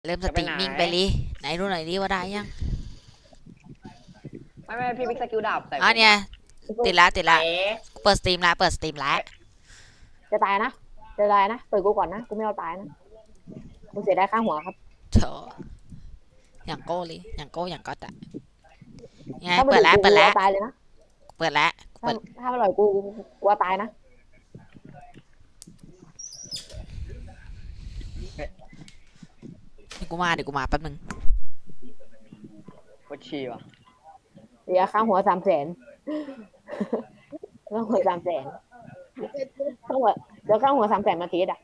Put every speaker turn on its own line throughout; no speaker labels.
เริ่มสตรีมมิ่งไปเลยไหนดูหน่อยดิว่าได้ยัง
ไม่พี่บิ๊กสกิลดาบแต่
เนี่ยติดละ
เอ๋
เปิดสตรีมละ
จะตายนะจะตายนะเปิดกูก่อนนะกูไม่เอาตายนะกูเสียได้ค่าหัวครับ
เถอะอย่างโก้เลยอย่างโก้อย่างก็แต่ไง
ถ้ามัน
เปิดแล้ว
กูเอาตายเลยนะ
เปิดแล้ว
ถ้ามันหล่อยกูเอาตายนะ
เดี๋ยวกูมาแป๊บนึง
โคตรชีว่ะ
เสียค่าหัว300,000ค่าหัว300,000ค่าหัวเดี๋ยวค่าหัว300,000มาทีอ่ะ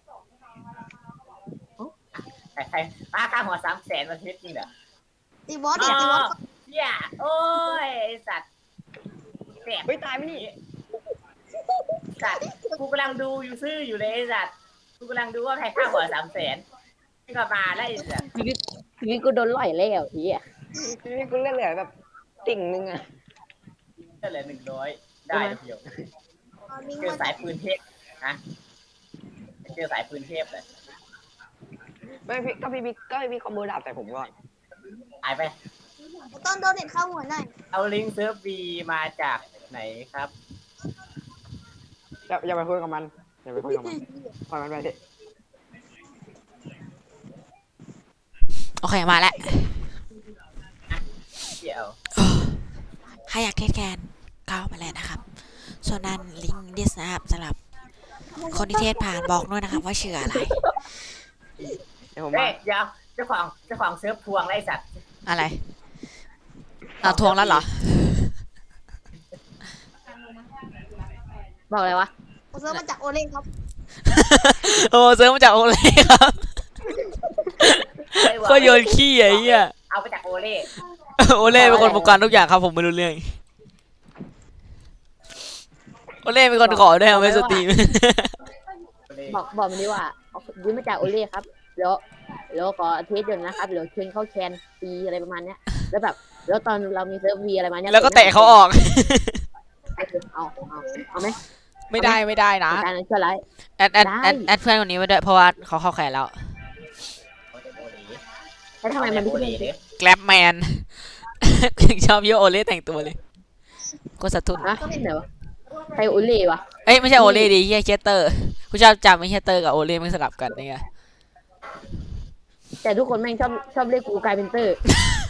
ใครค่าหัว300,000มันเท็จจริงเหรอ
ตีบอสดิตีบอส
เหี้ยโอ้ยไอสัตว์แสบ
เฮ้ยตายไหมนี่
สัตว์กูกำลังดูอยู่ซื่ออยู่เลยไอสัตว์กูกำลังดูว่าใครค่าหัว300,000ที่ก็มาแล้วไอสัตว์
ทีนี้กูโดนหล่อยแล้วทีอ่ะ
ทีนี้กูเล่นเหลือแบบติ่งนึงอะ
ก็เหลือ100ได้เดียวเจอสายปืนเทพนะเจอสายปืนเทพเลย
ไม่พี่บิ๊กคอมโบดาบแต่ผมก่อน
หายไป
ต้นโดนเด็ดเข้าหัวหน่อย
เอาลิงก์เซิร์ฟบีมาจากไหนครับ
อย่าไปคุยกับมันอย่าไปคุยกับมันปล่อยมันไปดิ
โอเคมาแล้ว
เดี๋ยว
ใครอยากเทสแคนเข้ามาเลยนะครับส่วนนั้นลิงก์ดิสนะครับสำหรับคนที่เทสผ่านบอกด้วยนะครับว่าชื่ออะไร
เดี๋ยวผม
เฮ้
มาย
เดี๋ยวเจ้าของเซิร์ฟพวงไรสัตว์
อะไรเอาทวงแล้วเหรอ
บอกเลยวะ
ผมซื้อมาจากโอเล่ครับ
โอ้ซื้อมาจากโอเล่ครับก็โยนขี้ไอ้เหี้ย
เอาไปจากโอเล่
โอเล่เป็นคนบงการทุกอย่างครับผมไม่รู้เรื่องโอเล่เป็นคนขอด้วยไม่สตรีม
บอกมันดีว่ายืมมาจากโอเล่ครับแล้วขอเทสเดี๋ยวนะครับเดี๋ยวเชิญเข้าแคนฟรีอะไรประมาณเนี้ยแล้วแบบแล้วตอนเรามีเซิร์ฟวีอะไรมาเนี้ย
แล้วก็เตะเขาออก
เอาไหม
ไม่ได้นะ
การเชื่อไร
แอดเพื่อนคนนี้ไว้ด้วยเพราะว่าเขาเข้าแขนแล้ว
แล้วทำไมมันไม่เป็น
แกร็บแมน ชอบเยอะโอเล่แต่งตัวเลยก็สะทุน
ฮะเดี๋ยวใครโอเล่วะ
เอ้ยไม่ใช่โอเล่ดิเฮียเชสเตอร์กูชอบจำไม่เชสเตอร์กับโอเล่มันสลับกันนี่ไง
แต่ทุกคนแม่งชอบเรียกกูกลายเป็นเตอร์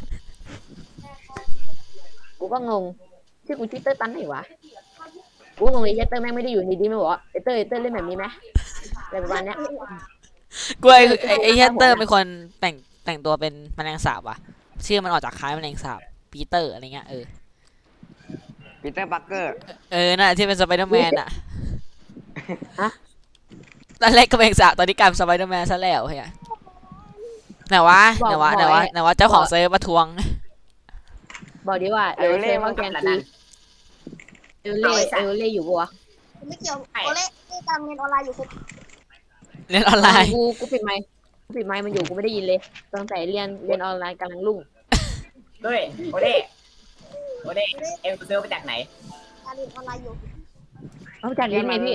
กูก็งงชื่อกูชื่อเตอร์ตันไหนวะกูงงเลยเตอร์แม่งไม่ได้อยู่ในดีไม่บอกว่าเตอร์เล่นแบบนี้ไหมอะไรประมาณเนี้ย
กูไอ้เชสเตอร์เป็นคนแต่งตัวเป็นแมลงสาบว่ะชื่อมันออกจากคล้ายแมลงสาบปีเตอร์อะไรเงี้ย
ปีเตอร์ปักเกอร์
น่ะที่เป็นสไปเดอร์แมนอะตอนแรกก็แมลงสาบตอนนี้กลายเป็นสไปเดอร์แมนซะแล้วเฮียไหนวะเจ้าของเซิร์ฟมาทวง
บอกดีว่าเล่ว่าแกนซีเล่อยู่ปะวะ
ไม่เกี่ยวโอเล่การเรียนออนไลน์อยู่ครับ
เล่นออนไลน์
กูปิดไมค์มันอยู่กูไม่ได้ยินเลยตั้งแต่เรียนออนไลน์กำลังรุ่ง
ด้วยโอเล่เอ็มเซิร์ฟมาจากไหน
การเรียนออนไลน์อยู่
เอาจากลิ้นไงพี่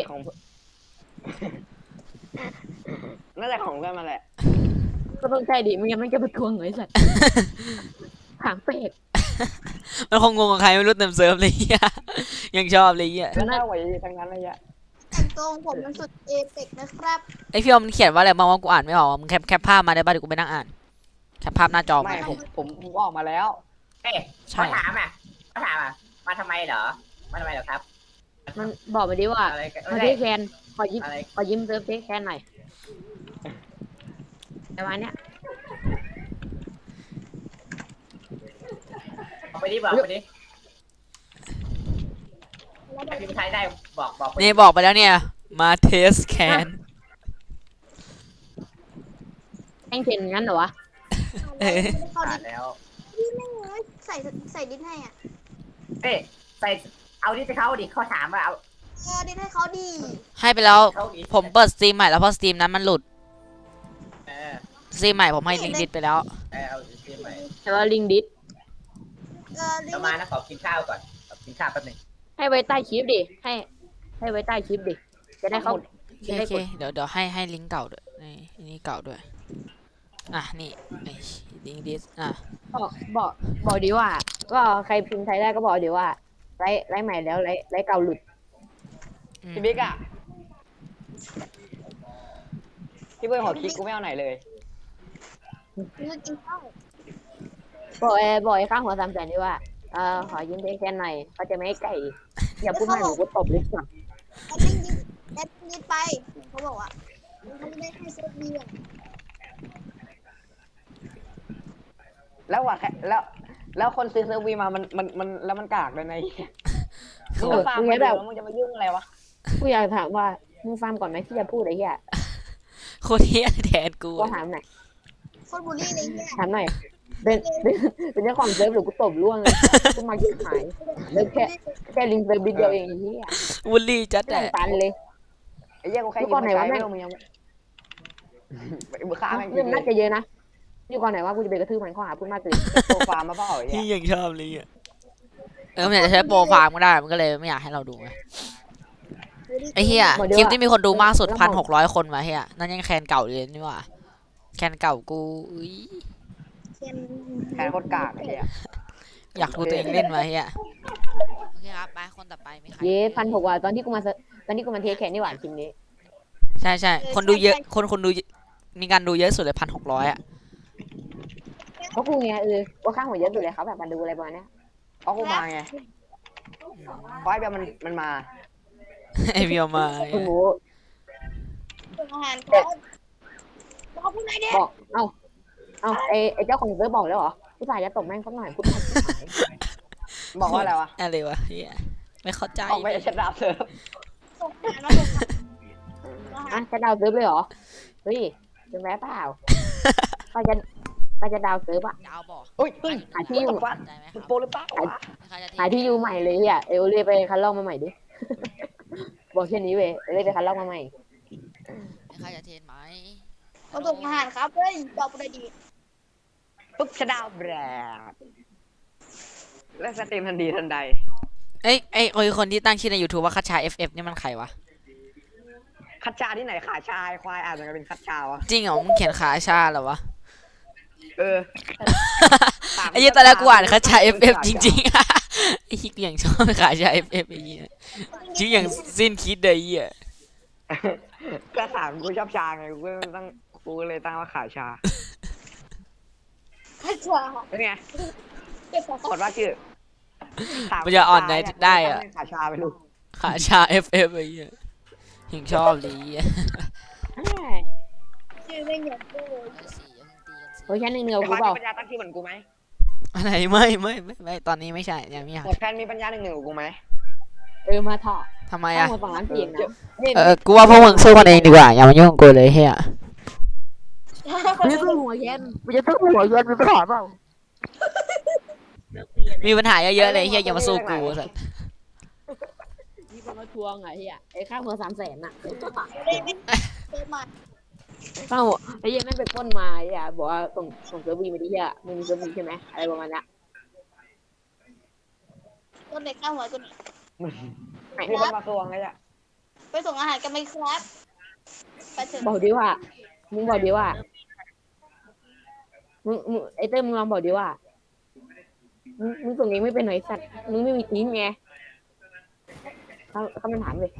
น่าจะของเพื่อนมาแหละ
ก็ต้องใช่ดิไม่งั้นมันจะประท้วงเหรอไอ้สัตว์หางเป็ด
มันคงงงกับใครไม่รู้เต็มเซิร์ฟเลยเฮียยังชอบเลยเฮีย
น่าไหวทั้งนั้นเลยอะ
แต่งตัวของผมมันสุดเอเปกนะครับ
ไอพี่อมมันเขียนว่าอะไรบ้างว่ากูอ่านไม่ออกมึงแคปภาพมาได้ป่ะเดี๋ยวกูไปนั่งอ่านแคปภาพหน้าจอ
ไม่
มา
ผมออกมาแล้ว
เฮ้ยเขาถามมาทำไมเหรอครับ
มันบอกมาดิว่า
อะไรกัน
มาเทแคนขอยิ้มเซิร์ฟเทแคนหน่อยประมาณเนี้ย
บอกไปดิพี่ชายได้บอก
นี่บอกไปแล้วเนี่ยมาเทสแคน
แข่งเทนงั้นเหรอวะ
เข้าดิ
แล้ว
พี่ไม่เงยใส่ดิสให้อ่ะ
เฮ้ยใส่เอาดิจะเข้าดิเขาถามว่าเอา
ดิสให้เขาดี
ให้ไปแล้ว
เข้าดิ
ผมเปิดสตรีมใหม่แล้วเพราะสตรีมนั้นมันหลุด
เออ
สตรีมใหม่ผมให้ลิงก์ดิสไปแล้ว
เอาเสียใหม่
แต่ว่าลิงดิส
เดี๋ยวมานะขอกินข้าวก่อนกินข้าวแป๊บนึง
ให้ไว้ใต้คลิปดิให้ไว้ใต้คลิปดิจะได้เขา
โอเคเดี๋ยวให้ลิงก์เก่าด้วยนี่เก่าด้วยอ่ะนี่ไอ้ลิงดิสอ่ะ
บอกดีว่า ก็ใครพิมพ์ไทยได้ก็บอกดีว่าไลฟ์ใหม่แล้วไลฟ์เก่าหลุด
พี่บิ๊กอะพี่เบิร์ดขอคลิกกูไม่เอาไหนเลย
คือกินข้าว
บอกไอ้ข้างหัว300,000ดีว่าขอยืมเทแคนหน่อยเขาจะไม่ให้ไก่อย่าพูดมากหนูก็ตบเลยสัก
แอดมินไปเขาบอกว่าเขาไม่ได้ให้เซฟเบียร์
แล้วว่ะแล้วคนซื้อเซิร์ฟวีมามันแล้วมันกากเลยนะไอ้เหี้ยมึงก็ฟาร์มไปแล้วมึงจะมายุ่งอะไรวะ
กูอยากถามว่ามึงฟาร์มก่อนไหมที่จะพูดไอ้เหี้ย
โคตรเฮียแทนกู
ก็ถามหน่อย
โคตรบูลลี่เลยเนี่ย
ถามหน่อยเป็นเจ้าของเซิร์ฟหรือกูตบล่วงเลยกูมาเก็บหายแล้วแค่ลิงก์เซิร์ฟบิดเดียวเองไอ้เหี้ย
วูลลี่จัด
ไม่
แต่
ต้องตันเลย
ไอ้เหี้ยกูแค่
ทุ
ยิ
ก
ง
คนไหน
มาใช้
วะแม่
ไม่
ง
รู้มึงยังมึงฆ่าแม่ง
เรื่องน่าจะเยอะนะอยู่ก่อนไหนว่ากูจะไปกระทืบมันข้อหาพูดมากเกิน
โปรฟาร์มมาเปล่าไอ้
ที่
เหี้ย
ยังชอบเลยอ่ะมันอยากจะใช้โปรฟาร์มก็ได้มันก็เลยไม่อยากให้เราดูไงไอ้เฮียคลิปที่มีคนดูมากสุด1,600 คนมาเฮียนั่นยังแคนเก่าเลยนี่หว่าแคนเก่ากูอุ้ย
เช่น
แค่โคตรกากไอ้เหี้ย
อยากดูตัวเองเล่นมาเฮียโอเคครับไปคนต่อไปมีใคร
เย้1,600ว่ะตอนที่กูมาเทสแคนนี่หว่าทีมนี้
ใช่คนดูเยอะคนดูมีการดูเยอะสุดเลย1,600อ่ะ
เพราะกูไงว่าข้างหัวเยอะสุดเลยครับแบบมันดูอะไรประมาณเนี้ย
เพราะกูมาไงเพราะไอ้เบียร์มันมา
ไอเบียวมา
คุณหมู
ส่งอาหารเขาบอกพูดไหนเด็
บอกไอ้เจ้าของเซิร์ฟบอกแล้วเหรอผู้ชายจะตบแม่งสักหน่อยพูดหน่อย
บอกว่าอะไรวะ
อะไรวะเฮียไม่เข้าใจ
ออกไปจะชัดดาบเซิร์ฟ
ส่งอาหารมาส่งอาหาร
จะดาวเซิร์ฟเลยเหรอเฮ้ยเป็นแม่เปล่าใครจะดาวเซิร์ฟอ่ะ
ดาวบอก
อุ้ย
หาที่อยู่
ฟัน
ใจไหมค
มึ
รั
ง
บ
โปรหรือเปล่า
หาที่อยู่ใหม่เลยอ่ะเอลเล่ไปคันลอกมาใหม่ดิบอกแค่นี้เว้ยเอลเล่ไปคันลอกมาใหม่
มีใครจะเทรนไหม
มาส่งอาหารครับเฮ้ยตอบอะไรดี
ปุ๊บชัดดาวแบรดและสตรีมทันทีทันใด
เอ้ยไอคนที่ตั้งชื่อใน YouTube ว่าคัชชา FF นี่มันใครวะ
คัดชาที่ไหนขาชายควายอ่านมันก็เป็นคัดชาวะ
จริงเหรอมึงเขียนขาชาเหรอวะ
เออ
ไอ้ยี่ตอนแรกกูอ่านคัชชา FF จริงๆไอ้ฮิกอย่างชอบขาชา FF ไอ้เหี้ยชื่ออย่างสิ้นคิดเลยไอ้เหี้ย
ก็ถามกูชอบชาไงกูก็เลยตั้งว่าขาชา
ข้าชา
เป็นไง
เก็บของ
กดว่าชื่อ
มันจะอ่อนได้อะ
ขาชาไปลูก
ขาชา FF ไอ้เหี้ยถึงชอบเลยไอ้เหี้ย
ชื่อไม่เหมือนกู
โอ้ยแค่หนึ่งเดียว
แต่
กู
ควาย
บอ
มี
ก
ปัญญาตั้งชื่อเหมือนกูไหม
อะไรไม่ตอนนี้ไม่ใช่ยังไม่อยาก
แต่แฟนมีปัญญา1-1กับกูไหม
มาถอด
ทำไม
ข้า
อ่ะ
งหัว2 ล้านเสียงนะ
กูว่าพวกมึงสู้กันเองดีกว่าอย่ามายุ่งกับกูเลยเฮีย
กูจะสู้หัวเย็นกูจะสู้หัวเย็นมีปัญหาเปล่า
มีปัญหาเยอะๆเลยเฮียอย่ามาสู้กูสัส
มีคนมาทวงไงเฮียไอ้ข้างหัว300,000น่ะ
เลยไม่เจอมา
ข้างหัวไอ้เหี้ยแม่งไปปล้นมาไอ้เหี้ยบอกว่าส่งเซิร์ฟวีมาดิเฮียมึงมีเซิร์ฟวีใช่ไหมอะไรประมาณนี้
ต้นเด็กข้าวหัวตัวนี้
มีคนมาทวงไงอ่ะ
ไปส่งอาหารกันไหมครับไปถึง
บอกดิว่ามึงบอกดิว่ามึงไอ้เต้ยมึงลองบอกดิว่ามึงส่งเองไม่เป็นหน่อยสัตว์มึงไม่มีทีมไงเขามันถามเลย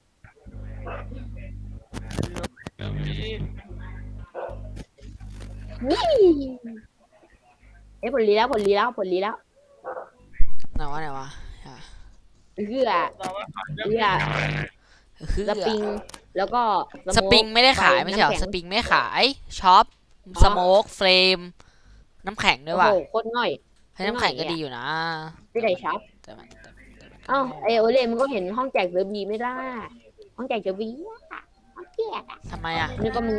นี่ผลลีแล้ว
ไหนวะอ่ะ
เพื่อสปริงแล้วก็
สปริงไม่ได้ขายไม่ใช่เหรอสปริงไม่ขายช็อปสโมกเฟรมน้ำแข็งด้วยว่ะ
โอ้โหโคตรง่อย
ให้น้ำแข็งก็ดีอยู่นะ
ไม่ได้ช็อป
แต่มัน
เอ้าไอโอเล่มันก็เห็นห้องแจกเซอร์บีไม่ได้ ห้องแจกเซอร์บีห้องแจกอ่ะ
ทำไมอ่ะ
นี่ก็มึง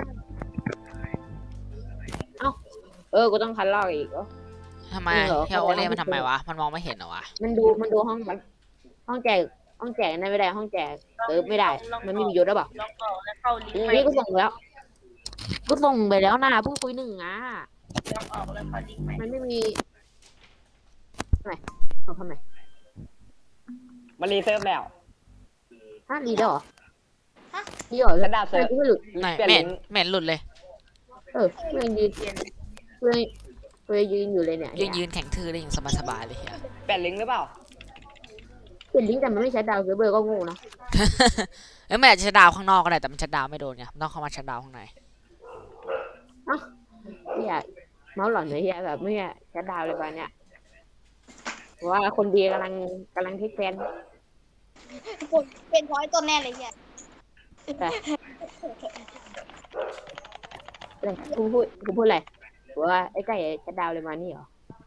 กูต้องคัดลอกอีกเหรอ
ทำไมเฮียโอเล่มันทำไมวะมันมองไม่เห็นเหรอวะ
มันดูห้องแจกนั่นไม่ได้ห้องแจกเซิร์ฟไม่ได้ มันไม่มียศหรือเปล่า
ลองต่อแล้วเข้าลิงก์ใหม่
นี่ก็ส่งแล้วนะเพิ่งคุย1อ่ะ
ลองออกแล้วเข้าลิงก์ใหม่
มันไม่มีทำไมทำไม
มันรีเซิร์ฟแล้ว
รีได้เหรอรีเหรอ
ชัดดาบเซิร์ฟ
ไม่หลุด
ไหน
เปลี่ยน
ไม่
ลิ
เห็น
งก์
ไม่เห็นหลุดเลย
เพื่อนยืนเพื่อนเพื่อนยืนอยู่เลยเนี่ย
ยืนแข่งทื่อได้อย่างสบายๆเลยเฮีย
แปดลิงก์หรือเปล่า
เป็นลิงก์แต่มันไม่ใช้ดาวเซิร์ฟเวอร์ก็โง่นะ
เอ้ยมันอาจจะชัดดาวน์ข้างนอกก็ได้แต่มันชัดดาวน์ไม่โดนไงมันต้องเข้ามาชัดดาวน์ข้างใน
เนี่ยเมาส์หลอนเลยเฮียแบบไม่ใช้ดาวเลยวันเนี้ยเพราะว่าคนดีกำลังเทคแคน
ผมเป็นพอยต้นแน่เลยเนี่ย
กูพูดอะไรว่าไอ้ไก่ใช้ดาวเลยมานี่เหรอ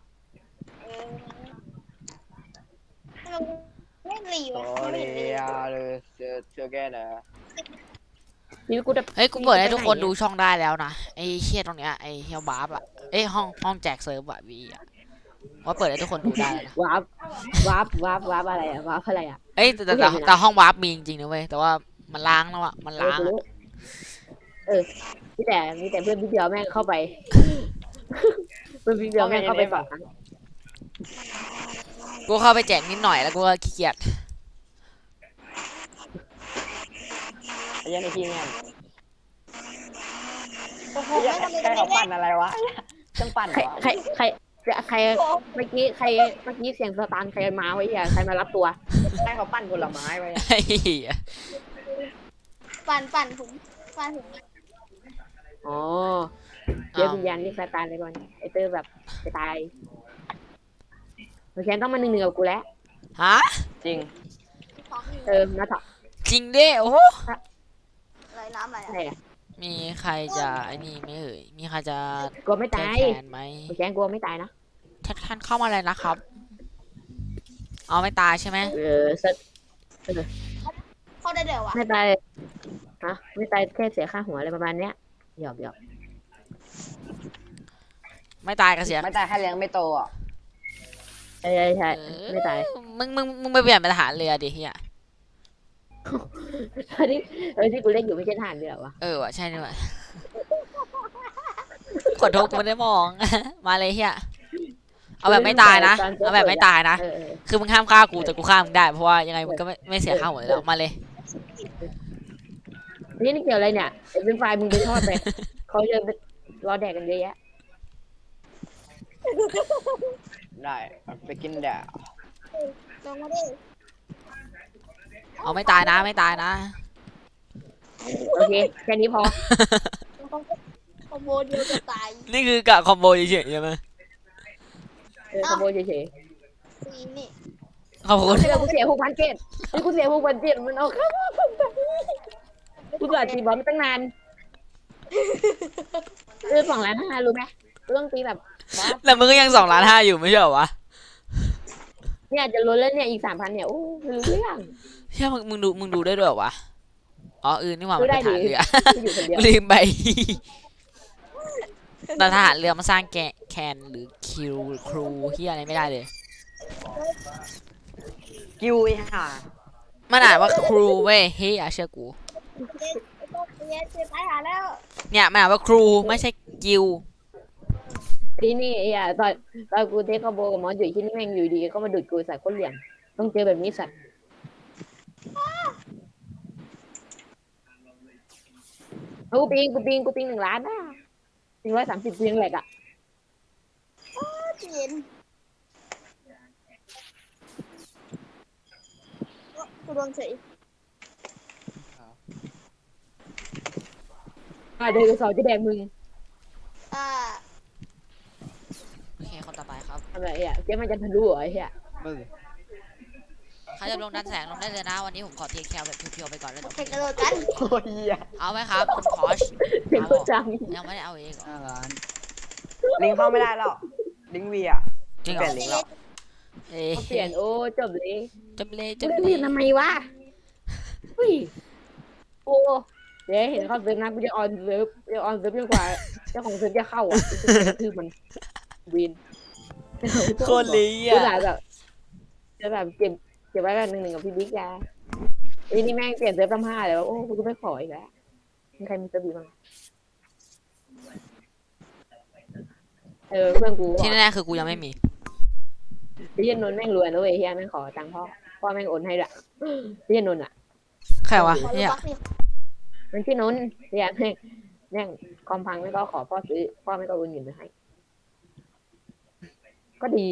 ทำไมไม่รีวะ
โอ
ไม่
เรี
เห็นรี
ยเลยเจอแกนะ
ชีวิตกูจะ
เฮ้ยกูเปิดให้ทุกคนดูช่องได้แล้วนะไอ้เชี่ยตรงเนี้ยไอ้เฮียวบาร์บอะเอ้ยห้องแจกเซิร์ฟอะวีอะว่าเปิดให้ทุกคนดูได้แล้วนะ
วาร์ปอะไรอะวาร์ปอะไรอะ
เอ้ยแต่ห้องวาร์ปมีจริงๆนะเว้ยแต่ว่ามันล้างแล้วอะมันล้าง
กู
อะ
รู้มีแต่เพื่อนพี่เดียวแม่งเข้าไป เพื่อนพี่เดียวแม่งเข้าไป2 ครั้ง
กูเข้าไปแจกนิดหน่อยแล้วกูก็ขี้เกียจ
ไอ้ยันไอ้ขี้แม่ง
โอ้โห
ไอ้ยั
ไม่
น
ทำเลย
ใคร
ไม่
เขา
ได้
ปั่นอะไรวะจังปั่นเหรอ
ใครเมื่อกี้เสียงสตาร์ทใครมาไว้ใครมารับตัว
ใครเขาปั่นผลไม้ไว้อะ
ไอ้เหี้ย
ปั่นผมปั่นผม
อ๋อเดี๋ยววิญญาณเรียกสตาร์เลยก่อนไอเตอร์แบบจะตายโอเคต้องมา1-1กับกูแล้ว
ฮะ
จริง
ของอยู่
มาถอด
จริงดิโอ้โห
อะไรน้ำอะไร
อะไรอะ
มีใครจะไอ้นี่ไหม่เอ่ยมีใครจะ
กลัวไม่
แก้
ตาย
แค้นไหม
โอเคกลัวไม่ตายนะ
ท่านเข้ามาเลยนะครับเอาไม่ตายใช่ไหม
เข้าได้เดี๋ยววะ
ไม่ตายฮะไม่ตายแค่เสียค่าหัวอะไรประมาณเนี้ยหยอก
ไม่ตายก็เสีย
ไม่แต่แค่เลี้ยงไม่โตอ่ะ
ใช่ไม่ตาย
มึงไปเปลี่ยนเป็นทหารเรือดิเฮีย
ที่กูเล่นอยู่ไม่ใช่ทหารเรือวะ
เออว่ะใช่นี่ว่ะขอโทษกูไม่ได้มอง มาเลยเฮียเอาแบบไม่ตายนะเอาแบบไม่ตายนะคือมึงห้ามฆ่ากูแต่กูฆ่ามึงได้เพราะว่ายังไงมึงก็ไม่เสียค่าหัวอยู่แล้วมาเลย
นี่เกี่ยวอะไรเนี่ยเป็นไฟมึงไปทอดไปเขาจะรอแดกกันเยอะแยะ
ได้ไปกินแดด
ลงมาดิ
เอาไม่ตายนะไม่ตายนะ
โอเคแค่นี้พอ
คอมโบเดียวจะตาย
นี่คือกะคอมโบเฉยๆใช่ไหม
ขโมยเฉย
ซีนี่
ขอบคุณ
ๆกูเสีย6,000 เกตนี่กูเสีย6,000 เกตมันเอาเข้ากูเกิดตีบอลมาตั้งนาน2,500,000รู้ไหมกูต้องตีแบบ
แต่มึงก็ยัง2,500,000อยู่ไม่ใช่เหรอวะ
เนี่ยจะล้นแล้วเนี่ยอีก 3,000 เนี่ยโอ้ไม่รู้เรื่อง
เฮียมึงดูได้ด้วยเหรอวะอ๋อนี่หว่ามันเป็นทหารเรือ
กูอยู่คนเดียว
ลืมไป แต่ทหารเรือมาสร้างแคนหรือคิวครูเฮียอะไรไม่ได้เลย
กิวไอ้ห่า
มันอ่านว่าครูเว้ยเฮียเชื่อกู
เจ๊ตายหาแล้ว
เนี่ยมันอ่านว่าครูไม่ใช่กิว
นี่ตอนกูเทคคอมโบกับมอสอยู่ที่นี่แม่งอยู่ดีก็มาดูดกูใส่คนเหลี่ยมต้องเจอแบบนี้สัตว์กูปิง1 ล้านนะปิง130ปิงแหลกอ่ะ
เย็นกูโดนเฉย
เดินสอนจะแดงมึง
โอเคคนต่อไปครับ
ทำอะไรเจ๊มันจะทะลุเหรอไอ้เหี้ย
มึง
ใครจะลงดันแสงลงได้เลยนะวันนี้ผมขอเทคแคร์แบบเพียวๆไปก่อนแล้ว
โอ
เดี๋ยว
เคกระโดดกัน
โอ้ยเหี้ย
เอาไหมครับคุณคอช
เสียงกูจัง
ยังไม่ได้เอาเองเหรอ
ลิงเข้าไม่ได้แล้วลิงวีอ่ะ
จริงเห
เป
ร
ลี่
อย
นลิงแล้ว
เอ้ย
เปลี่ยนโอ้จบเลย
จบเลยจ
จะ
บ
เป
เล
ลี่
ย
ยนทำไมวะโอ้เดี๋ยวเห็นเขาเซิร์ฟนะกูจะออนเซิร์ฟจนกว่าเจ้าของเซิร์ฟจะเข้าอ่ะคือมันวิน
โคตรลี
กู
อ่ะ
จะแบบเก็บไว้กัน1-1กับพี่บิ๊กยานี่แม่งเปลี่ยนเซิร์ฟ5แล้วโอ้กูจะไม่ขออีกแล้วมีใครมีเซิร์ฟดีบ้างเพื่อนกู
ที่แน่ๆคือกูยังไม่มี
พี่นนท์แม่งรวยนะเว้ยเฮียแม่งขอตังค์พ่อแม่งโอนให้ด้วยพี่นนท์อ่ะ
ใครวะ
ขอ
เฮีย
บักนี่
มันชื่อนนท์เฮียแม่งขคอมพังไม่ก็ขอพ่อซื้อพ่อไม่ก็โอนเงินไปให้ ก็ดี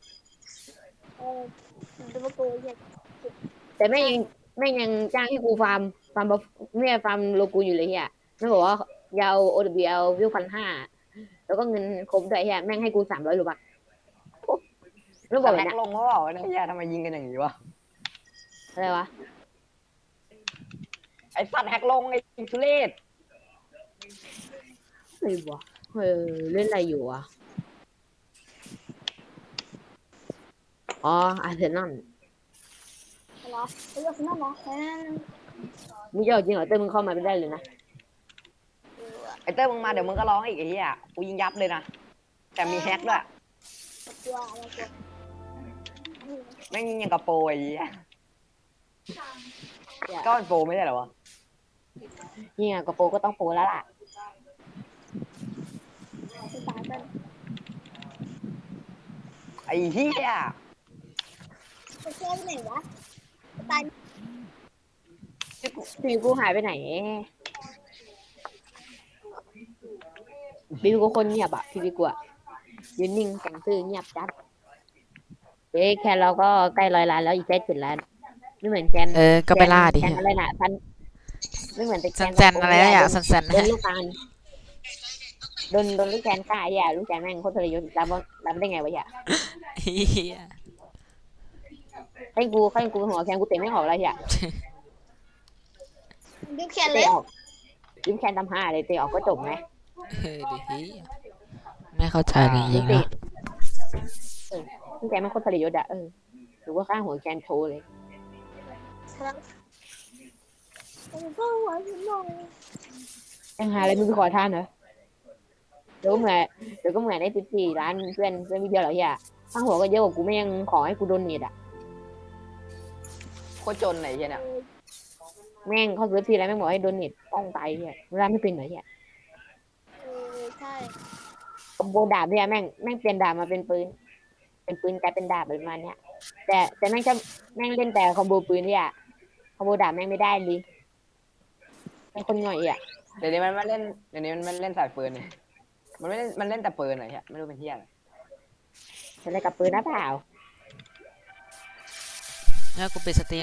ดูว่ากูอยาก
แต่แม่งยังจ้างให้กูฟาร์มไม่ฟาร์มโลกูอยู่เลยเฮียไม่บอกว่ายาว OWL วิว1,500แล้วก็เงินครบด้วยเฮียแม่งให้กู300 รูบักรู้บอก
แฮ
เลย
ก
นะ
ลงเขาบอกว่าเนี่ยทำไมยิงกันอย่างนี้วะ
อะไรวะ
ไอสัตว์แฮกลงไอทุเรศ
อะไรวะเล่นอะไรอยู่วะอ๋ออาร์เซนอล
เหรอเลือกนั่นเหรอแค่นั้น
มึงจะเอาจริงเหรอเต้ยมึงเข้ามาไม่ได้เลยนะ
ไอเต้ยมึงมาเดี๋ยวมึงก็ร้องอีกไอ้เหี้ยกูยิงยับเลยนะแต่มีแฮกด้วย
กลัวอะไรกลัว
แม่งยิงอย่างกับโปรไอ้เหี้ยก็เป็นโปรไม่ใช่เหรอวะ
นี่ไงกับโปรก็ต้องโปรแล้วล่ะ
จะตายกัน
ไอ้เหี้ย
จะเชื่อไปไหนวะตาย
บิวกูหายไปไหนบิวกูคนเงียบอะพี่บิวกูอะยืนนิ่งแต่งซื่อเงียบจัดแคนเราก็ใกล้100 ล้านแล้วอีกแค่7 ล้านไม่เหมือนแคน
ก็ไปล่าดิ
แคนอะไรนะท่านไม่เหมือนแต่แคน
แซนอะไรนะอยากแซน
โดนลูกแคนโดนลูกแคนฆ่าไอ้อะลูกแคนแม่งโคตรทรยศรับได้ไงวะอย่า
เฮีย
ให้กูหัวแคนกูเตะไม่ออกเลยอย่า
ดึงแขนเล
เตะ
ย
ออกลูกแคนทำ5เลยเตะออกก็จบไหม
ดิเฮียไม่เข้าใจจริงๆนะ
ลูกแคนไม่งโคตรทรยศอะหรือว่าข้างหัวแคนโชว์เลย
ครับก็หัวฉันหน่อย
ยังหาอะไรมึงไปขอทานเหรอเดี๋ยวก็เหมือนได้14 ล้านเพื่อนวิดีโอเหรอเฮียข้างหัวก็เยอะกว่ากูไม่ยังขอให้กูโดนเน็ตอ่ะ
โคตรจนไหนเหี้ยเนี่ย
แม่งเขาซื้อทีไรแม่งบอกให้โดนเน็ตต้องตายเฮียเวลาไม่เป็นเหรอเฮีย
ใช่
คอมโบดาบเนี่ยแม่งเปลี่ยนดาบมาเป็นปืนกลายเป็นดาบประมาณเนี้ยแต่แม่งชอบแม่งเล่นแต่คอมโบปืนเนี่ยคอมโบดาบแม่งไม่ได้เลยเป็นคนหน่อยอ่ะ
เดี๋ยวนี้มันไม่เล่นเดี๋ยวนี้มันเล่นสายปืนเนี่ยมันไม่เล่นมันเล่นแต่ปืนอะไรเหี้ยไม่รู้เป็นเหี้ยอะไร
เป็นอะไรกับปืนนะเปล่า
แล้วกูปิดสตรีม